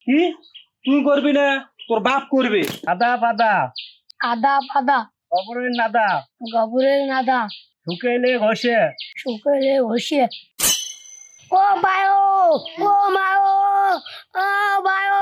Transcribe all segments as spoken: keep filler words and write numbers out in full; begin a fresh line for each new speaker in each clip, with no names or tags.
কি তুই করবি না? তোর বাপ করবে।
আদা পাদা
আদা পাদা
গোবরের নাদা
গোবরের নাদা
শুকাইলে ঘষে
শুকাইলে ঘষে। ও বায়ো, ও মায়ো, ও বায়ো।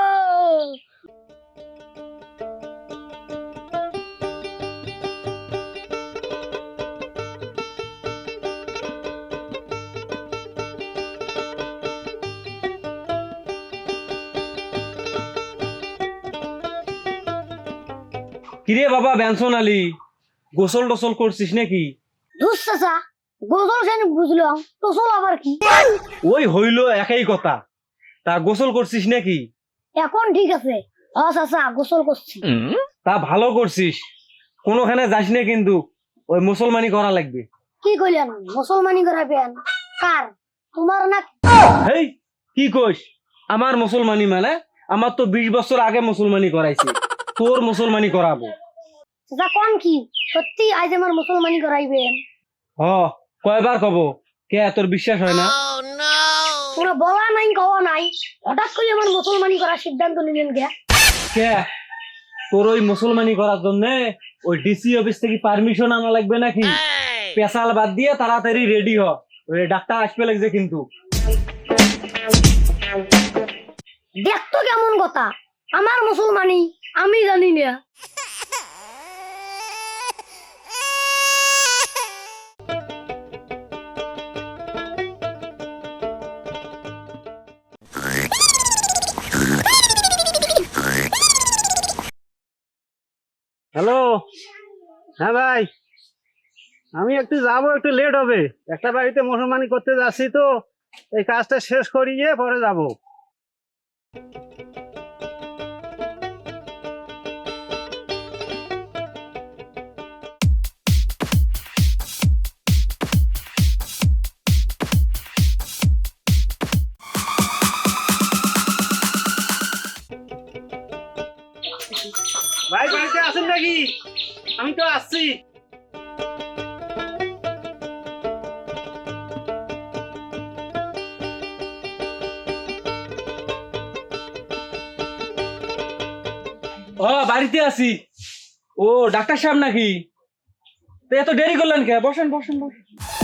কিরে বাবা বেনসন আলী, গোসল টোসল করছিস নাকি?
ধুস চাচা, গোসল সেন বুঝলাম, টোসল আবার কি?
ওই হইলো একই কথা। তা গোসল করছিস নাকি?
এখন ঠিক আছে। ও চাচা গোসল করছি।
তা ভালো করছিস, কোনোখানে যাস না কিন্তু, ওই মুসলমানি করা লাগবে।
কি কইলেন? মুসলমানি করাবেন? কার? তোমার না?
হেই কি কইস? আমার মুসলমানি মানে আমার তো বিশ বছর আগে মুসলমানি করাইছে, তোর মুসলমানি করাবো।
চাচা কোন কি সত্যি আজ আমার মুসলমানি করাইবেন?
হ, কয়বার কব, কে তোর বিশ্বাস হয় না?
তোমরা বলা নাই কওয়া নাই, হঠাৎ করে আমার মুসলমানি করার সিদ্ধান্ত নিলেন কে?
কে তোর ওই মুসলমানি করার জন্য ওই ডিসি অফিস থেকে পারমিশন আনা লাগবে নাকি? পেশাল বাদ দিয়ে তাড়াতাড়ি রেডি হ, ওই ডাক্তার আসবে লাগছে কিন্তু।
দেখতো কেমন কথা, আমার মুসলমানি আমি জানি না।
হ্যালো, হ্যাঁ ভাই, আমি একটু যাবো, একটু লেট হবে। একটা বাড়িতে মুসলমানি করতে যাচ্ছি, তো এই কাজটা শেষ করিয়ে পরে যাব। ভাই বাড়িতে আছেন নাকি? আমি তো আসছি।
ও বাড়িতে আছি। ও ডাক্তার সাহেব নাকি? তো এত দেরি করলেন কে? বসেন বসেন বসেন।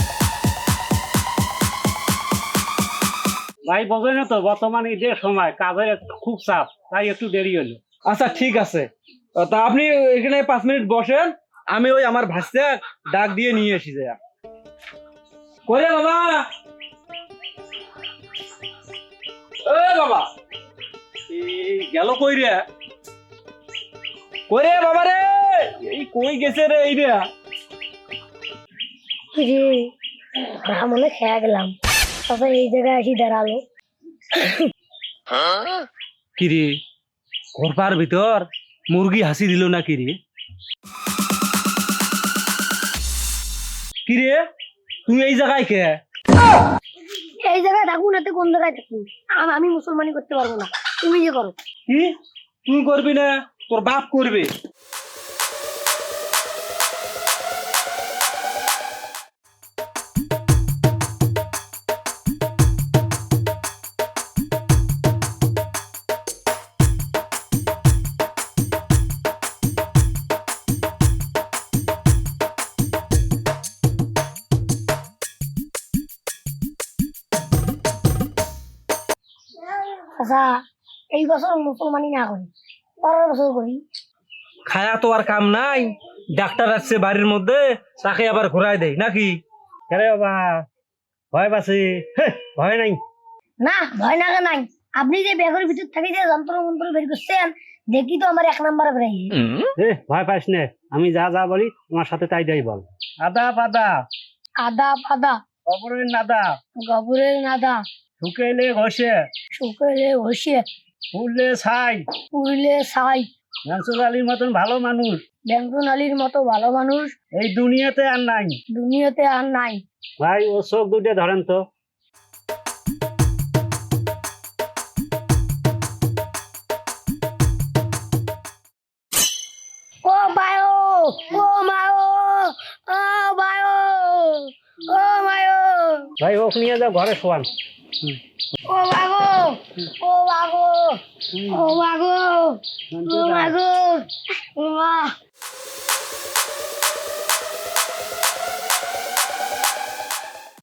ভাই বোঝেন তো, বর্তমানে যে সময় কাজের একটু খুব চাপ, তাই একটু দেরি হলো।
আচ্ছা ঠিক আছে, তা আপনি এখানে পাঁচ মিনিট বসেন, আমি ওই আমার ভাষা ডাক দিয়ে নিয়ে আসি। যা করে বাবা, এ বাবা, এই গেল কই রে? কই রে বাবা রে? এই কই গেছে রে? এই রে
মনে খেয়া গেলাম, তারপর এই জায়গায় আসি দাঁড়ালো।
কি রে, ঘরপার ভিতর মুরগি হাসি দিল না কি রে? কি রে তুমি এই জায়গায় কে?
এই জায়গায় থাকুন, এতে কোন জায়গায় থাকুন, আম- আমি মুসলমানি করতে পারবো না, তুমি যে করো।
কি তুই করবি না? তোর বাপ করবে।
আচ্ছা এই বছর মুসলমানি না করি, পরের বছর করি।
খায়া তো আর কাম নাই, ডাক্তার আসছে বাড়ির মধ্যে, তাকে আবার ঘোরায় দেয় নাকি?
আরে বাবা, ভয় পাচ্ছি? ভয় নাই।
না ভয় না নাই, আপনি যে ব্যাগের ভিতর থেকে যে যন্ত্র মন্ত্র বের করছেন, দেখি তো আমার এক নাম্বার বেরাই।
এ ভয় পাস না, আমি যা যা বলি তোমার সাথে তাই তাই বল। আদা পাদা
আদা পাদা
গোবরের নাদা
গোবরের নাদা
শুকাইলে ঘষে
শুকাইলে ঘষে
ফুললে ছাই।
পুড়লে ছাই।
মানসুর আলীর মতন ভালো মানুষ
ব্যঞ্জন আলীর মতো ভালো মানুষ
এই দুনিয়াতে আর নাই।
দুনিয়াতে আর নাই।
ভাই ও চোখ দুটো ধরেন তো।
ও বায়ো, ও মায়ো, ও বায়ো, ও মায়ো,
ভাই ওক নিয়ে যাও ঘরে শোয়ান।
ও বাগো। ও মাগো ও মাগো ও মাগো ও মা